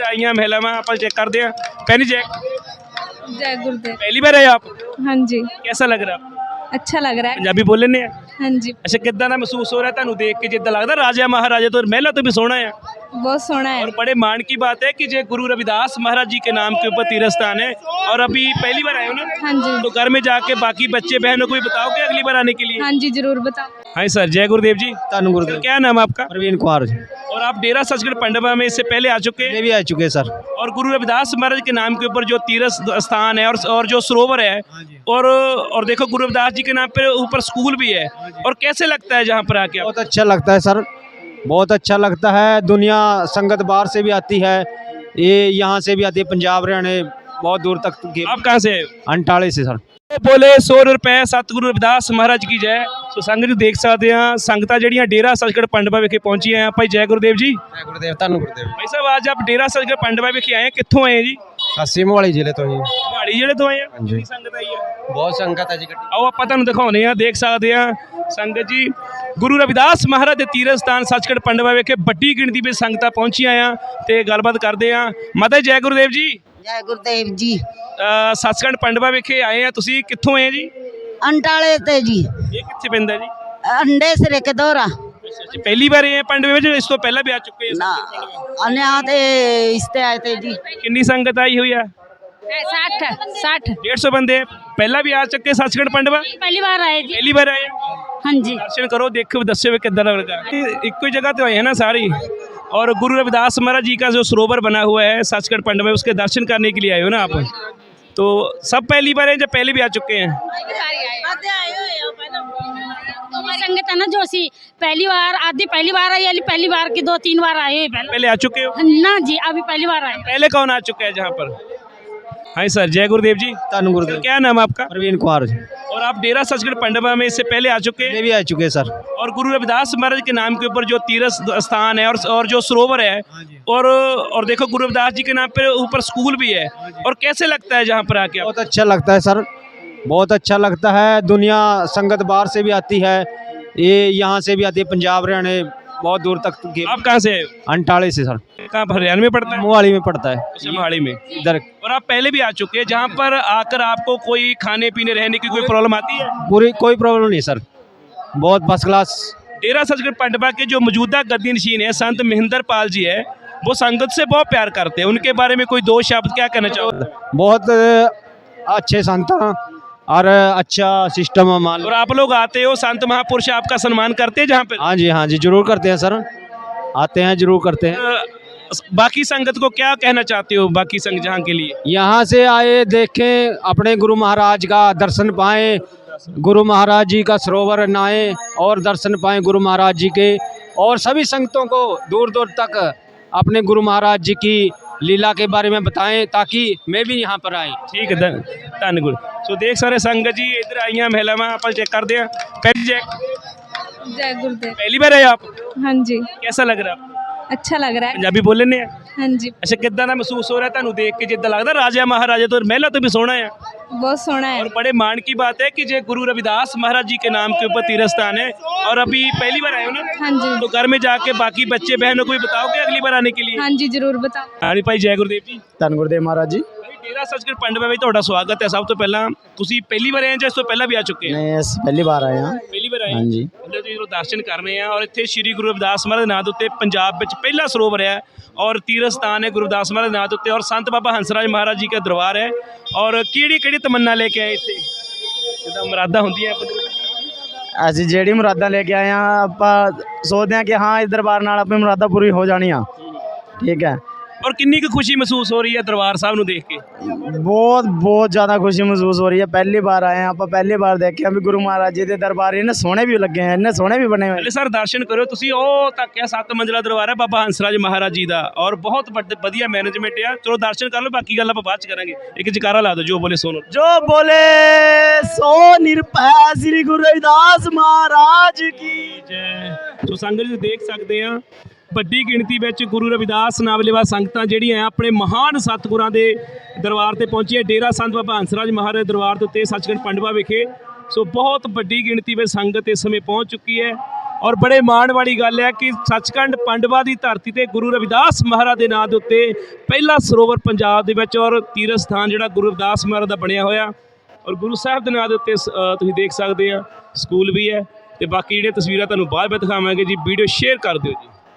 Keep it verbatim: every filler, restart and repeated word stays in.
आईਆਂ ਮਹਿਲਾਵਾਂ ਆਪਾਂ चेक करते हैं। पहली चेक जय गुरुदेव। पहली बार आए आप? हाँ जी, कैसा लग रहा? अच्छा लग रहा है। पंजाबी बोल लेने हैं? हाँ जी, ਅੱਛਾ ਕਿੱਦਾਂ ਦਾ ਮਹਿਸੂਸ ਹੋ ਰਿਹਾ ਤੁਹਾਨੂੰ ਦੇਖ ਕੇ? ਜਿੱਦਾਂ ਲੱਗਦਾ ਰਾਜਾ ਮਹਾਰਾਜਾ ਤੋਂ ਮਹਿਲਾ ਤੋਂ भी सोना है। बहुत सोना है। और बड़े मान की बात है कि जो गुरु रविदास महाराज जी के नाम के ऊपर तीर्थ स्थान है और अभी पहली बार आए हो ना? हाँ जी, तो घर में जाके बाकी बच्चे बहनों को भी बताओगे अगली बार आने के लिए? हाँ जी, जरूर बताओ। हाँ सर, जय गुरुदेव जी। धन गुरुदेव। क्या नाम है आपका? प्रवीण कुमार जी। और आप डेरा सचखंड पंडवा में इससे पहले आ चुके हैं? ये भी आ चुके हैं सर। और गुरु रविदास महाराज के नाम के ऊपर जो तीर्थ स्थान है और और जो सरोवर है और और देखो गुरु रविदास जी के नाम पे ऊपर स्कूल भी है, और कैसे लगता है जहाँ पर आके? बहुत अच्छा लगता है सर, बहुत अच्छा लगता है। दुनिया संगत बाहर से भी आती है, ये यहाँ से भी आती है, पंजाब हरियाणा बहुत दूर तक की। आप कहाँ से आए हो? अंटाले से सर। बोले सौ रुपए सतगुरु रविदास महाराज की जय। सो संगत जी देख सकते हैं संगतां ਜਿਹੜੀਆਂ डेरा सचखंड पंडवा विखे पहुंची हैं। भाई जय गुरुदेव जी। जय गुरुदेव। धन गुरुदेव। भाई साहब आज आप डेरा सचखंड पंडवा विखे आए हैं, कित्थों आए हैं जी? ਅਸੀਂ ਮੋਹਾਲੀ ਜ਼ਿਲ੍ਹੇ ਤੋਂ ਜੀ। मोहाली जिले तो आए हैं। हाँ जी। कितनी संगत आई है? ਬਹੁਤ ਸੰਗਤ ਹੈ ਜੀ ਗੱਡੀ। आओ ਆਪਾਂ ਤੁਹਾਨੂੰ ਦਿਖਾਉਂਦੇ ਆ। ਦੇਖ ਸਕਦੇ ਆ ਸੰਗਤ ਜੀ ਗੁਰੂ ਰਵਿਦਾਸ ਮਹਾਰਾਜ ਦੇ ਤੀਰਥ ਸਥਾਨ ਸੱਚਖੰਡ ਪੰਡਵਾ ਵਿਖੇ ਵੱਡੀ ਗਿਣਤੀ ਵਿੱਚ ਸੰਗਤਾਂ ਪਹੁੰਚੀਆਂ ਆ ਤੇ ਗੱਲਬਾਤ ਕਰਦੇ ਆ। ਮਾਤਾ ਜੀ ਜੈ ਗੁਰਦੇਵ ਜੀ। जय गुरुदेव जी। ਅ, ਸੱਚਖੰਡ ਪੰਡਵਾ ਵਿਖੇ ਆਏ ਆ, ਤੁਸੀਂ ਕਿੱਥੋਂ ਆਏ ਜੀ? अंटाले ते जी, ਇਹ ਕਿੱਥੇ ਪੈਂਦਾ ਜੀ? अंडे सिरे के दौरा ਜੀ ਪਹਿਲੀ ਵਾਰ ਆਏ ਆ ਪੰਡਵੇ ਵਿੱਚ? ਇਸ ਤੋਂ ਪਹਿਲਾਂ ਵੀ ਆ ਚੁੱਕੇ ना ਆ? अन्य आते इसते आए थे जी। ਕਿੰਨੀ ਸੰਗਤ ਆਈ ਹੋਈ ਆ? साठ साठ डेढ़ सौ बंदे ਪਹਿਲਾਂ ਵੀ ਆ ਚੁੱਕੇ ਸੱਚਖੰਡ ਪੰਡਵਾ? पहली बार आए जी। ਪਹਿਲੀ ਵਾਰ ਆਏ ਆ? हाँ जी, दर्शन करो, देखो, दस्यो भी कितना लगा। एक ही जगह तो आए हैं ना सारी, और गुरु रविदास महाराज जी का जो सरोवर बना हुआ है सचखंड पंडवा में, उसके दर्शन करने के लिए आए हो ना आप? तो सब पहली बार हैं या पहले भी आ चुके हैं? संगत है ना जो सी पहली बार आधी पहली बार आई, यानी पहली बार की दो तीन बार आए पहले। पहले आ चुके हो? ना जी, अभी पहली बार आए। पहले कौन आ चुका है जहाँ पर? हाँ सर, जय गुरुदेव जी। धन गुरुदेव। क्या नाम है आपका? प्रवीण कुमार जी। और आप डेरा सचखंड पंडवा में इससे पहले आ चुके ये हैं? भी आ चुके हैं सर। और गुरु रविदास महाराज के नाम के ऊपर जो तीर्थ स्थान है और और जो सरोवर है और और देखो गुरु रविदास जी के नाम पे ऊपर स्कूल भी है, और कैसे लगता है जहाँ पर आके? बहुत अच्छा लगता है सर, बहुत अच्छा लगता है। दुनिया संगत बाहर से भी आती है, ये यहाँ से भी आती है, पंजाब हरियाणा बहुत दूर तक की। आप कहाँ से आए हो? अंटाले से सर। कहाँ पर? हरियाणा में पड़ता है? मोहाली में पड़ता है अच्छा, मोहाली में। इधर। और आप पहले भी आ चुके हैं जहाँ पर आकर आपको कोई खाने पीने रहने की कोई प्रॉब्लम आती है? पूरी कोई प्रॉब्लम नहीं सर, बहुत फर्स्ट क्लास। डेरा सचखंड पंडवा के जो मौजूदा गद्दी नशीन है संत महेंद्र पाल जी है, वो संगत से बहुत प्यार करते हैं, उनके बारे में कोई दो शब्द क्या कहना चाहोगे? बहुत अच्छे संत हैं और अच्छा सिस्टम है मान लो। और आप लोग आते हो, संत महापुरुष आपका सम्मान करते हैं जहाँ पे? हाँ जी, हाँ जी, जरूर करते हैं सर, आते हैं जरूर करते हैं। अ, बाकी संगत को क्या कहना चाहते हो, बाकी संघ जहाँ के लिए? यहाँ से आए, देखें, अपने गुरु महाराज का दर्शन पाएं, गुरु महाराज जी का सरोवर नहाएं और दर्शन पाएं गुरु महाराज जी के, और सभी संगतों को दूर दूर तक अपने गुरु महाराज जी की लीला के बारे में बताएं ताकि मैं भी यहाँ पर आए। ठीक है, धन धन गुरु। सो देख सारे संगत जी इधर आईਆਂ ਮਹਿਲਾਵਾਂ, ਆਪਾਂ चेक करते हैं। पहली चेक जय गुरुदेव। पहली बार आए आप? हाँ जी, कैसा लग रहा? अच्छा लग रहा है। पंजाबी बोल लेने हैं? हाँ जी, ਅੱਛਾ ਕਿੱਦਾਂ ਦਾ ਮਹਿਸੂਸ ਹੋ ਰਿਹਾ ਤੁਹਾਨੂੰ ਦੇਖ ਕੇ? ਜਿੱਦਾਂ ਲੱਗਦਾ ਰਾਜਾ ਮਹਾਰਾਜਾ ਤੋਂ ਮਹਿਲਾ ਤੋਂ भी सोना है। बहुत सोना है। और बड़े मान की बात है कि जो गुरु रविदास महाराज जी के नाम के ऊपर तीर्थ स्थान है, और अभी पहली बार आए हो ना? हाँ जी, तो घर में जाके बाकी बच्चे बहनों को भी बताओगे अगली बार आने के लिए? हाँ जी, जरूर बताओ। हाँ जी भाई जय गुरुदेव जी। धन गुरुदेव महाराज जी। डेरा सचखंड पंडवा ਵਿੱਚ ਤੁਹਾਡਾ ਸਵਾਗਤ ਹੈ। ਸਭ ਤੋਂ ਪਹਿਲਾਂ ਤੁਸੀਂ ਪਹਿਲੀ ਵਾਰ ਆਏ ਜਾਂ ਇਸ ਤੋਂ ਪਹਿਲਾਂ ਵੀ ਆ ਚੁੱਕੇ ਹੋ? नहीं, पहली बार आए हैं। ਪਹਿਲੀ ਵਾਰ ਆਏ हाँ जी। ਉਹਦੇ ਤੁਸੀਂ ਜਦੋਂ ਦਰਸ਼ਨ ਕਰਨੇ ਆ, ਔਰ ਇੱਥੇ ਸ੍ਰੀ ਗੁਰੂ ਰਵਿਦਾਸ ਮਹਾਰਾਜ ਦੇ ਨਾਂ ਦੇ ਉੱਤੇ ਪੰਜਾਬ ਵਿੱਚ ਪਹਿਲਾ ਸਰੋਵਰ ਹੈ और तीर्थ स्थान है गुरु रविदास महाराज नाथ उत्ते, और संत बाबा हंसराज महाराज जी का दरबार है। और किहड़ी किहड़ी तमन्ना लेके आए इत्थे? जिद्दां मुरादां हुंदियां ਅਸੀਂ ਜਿਹੜੀ ਮੁਰਾਦਾਂ ਲੈ ਕੇ ਆਏ ਆ, ਆਪਾਂ ਸੋਚਦੇ ਹਾਂ ਕਿ ਹਾਂ ਇਸ ਦਰਬਾਰ ਨਾਲ ਆਪਣੀ ਮੁਰਾਦਾਂ ਪੂਰੀ ਹੋ ਜਾਣੀਆਂ। ਠੀਕ ਹੈ। और किन्नी की खुशी महसूस हो रही है दरबार साहब ਨੂੰ ਦੇਖ ਕੇ? ਬਹੁਤ ਬਹੁਤ ਜ਼ਿਆਦਾ ਖੁਸ਼ੀ ਮਹਿਸੂਸ ਹੋ ਰਹੀ ਹੈ। ਪਹਿਲੀ ਵਾਰ ਆਏ ਆ ਆਪਾਂ, ਪਹਿਲੀ ਵਾਰ ਦੇਖਿਆ ਵੀ ਗੁਰੂ ਮਹਾਰਾਜ ਜੀ ਦੇ ਦਰਬਾਰ ਇਹਨੇ ਸੋਹਣੇ ਵੀ ਲੱਗੇ ਆ, ਇੰਨੇ ਸੋਹਣੇ ਵੀ ਬਣੇ ਹੋਏ। ਪਹਿਲੇ ਸਰ ਦਰਸ਼ਨ ਕਰਿਓ ਤੁਸੀਂ, ਉਹ ਤੱਕ ਹੈ ਸੱਤ ਮੰਜ਼ਲਾ ਦਰਬਾਰ ਹੈ ਬਾਬਾ ਹੰਸਰਾਜ ਮਹਾਰਾਜ ਜੀ ਦਾ, ਔਰ ਬਹੁਤ ਵੱਡੇ ਵਧੀਆ ਮੈਨੇਜਮੈਂਟ ਆ। ਚਲੋ ਦਰਸ਼ਨ ਕਰ ਲਓ, ਬਾਕੀ ਗੱਲ ਆਪਾਂ ਬਾਅਦ ਚ ਕਰਾਂਗੇ। ਇੱਕ ਜਕਾਰਾ ਲਾ ਦਿਓ, ਜੋ ਬੋਲੇ ਸੋਨੋ। ਜੋ ਬੋਲੇ ਸੋ ਨਿਰਭੈ ਸ੍ਰੀ ਗੁਰੂ ਰਵਿਦਾਸ ਮਹਾਰਾਜ ਕੀ ਜੈ। ਸੋ ਸੰਗਤ ਜੀ ਦੇਖ ਸਕਦੇ ਆ ਵੱਡੀ ਗਿਣਤੀ ਵਿੱਚ ਗੁਰੂ ਰਵਿਦਾਸ ਨਾਮਲੇਵਾ ਸੰਗਤਾਂ ਜਿਹੜੀਆਂ ਆ ਆਪਣੇ ਮਹਾਨ ਸਤਿਗੁਰਾਂ ਦੇ ਦਰਬਾਰ ਤੇ ਪਹੁੰਚੀਆਂ। ਡੇਰਾ ਸੰਤ ਬਾਬਾ ਹੰਸਰਾਜ ਮਹਾਰਾਜ ਦੇ ਦਰਬਾਰ ਦੇ ਉੱਤੇ ਸੱਚਖੰਡ ਪੰਡਵਾ ਵਿਖੇ। ਸੋ ਬਹੁਤ ਵੱਡੀ ਗਿਣਤੀ ਵਿੱਚ ਸੰਗਤ ਇਸ ਸਮੇਂ ਪਹੁੰਚ ਚੁੱਕੀ ਹੈ, ਔਰ ਬੜੇ ਮਾਣ ਵਾਲੀ ਗੱਲ ਹੈ ਕਿ ਸੱਚਖੰਡ ਪਾਂਡਵਾ ਦੀ ਧਰਤੀ ਤੇ ਗੁਰੂ ਰਵਿਦਾਸ ਮਹਾਰਾਜ ਦੇ ਨਾਂ ਦੇ ਉੱਤੇ ਪਹਿਲਾ ਸਰੋਵਰ ਪੰਜਾਬ ਦੇ ਵਿੱਚ ਔਰ ਤੀਰਥ ਸਥਾਨ ਜਿਹੜਾ ਗੁਰੂ ਰਵਿਦਾਸ ਮਹਾਰਾਜ ਦਾ ਬਣਿਆ ਹੋਇਆ ਔਰ ਗੁਰੂ ਸਾਹਿਬ ਦੇ ਨਾਂ ਦੇ ਉੱਤੇ ਸ- ਅ, ਤੁਸੀਂ ਦੇਖ ਸਕਦੇ ਆ ਸਕੂਲ ਵੀ ਹੈ ਤੇ ਬਾਕੀ ਜਿਹੜੀਆਂ ਤਸਵੀਰਾਂ ਤੁਹਾਨੂੰ ਬਾਅਦ ਵਿੱਚ ਦਿਖਾਵਾਂਗੇ ਜੀ। ਵੀਡੀਓ ਸ਼ੇਅਰ ਕਰ ਦਿਓ ਜੀ।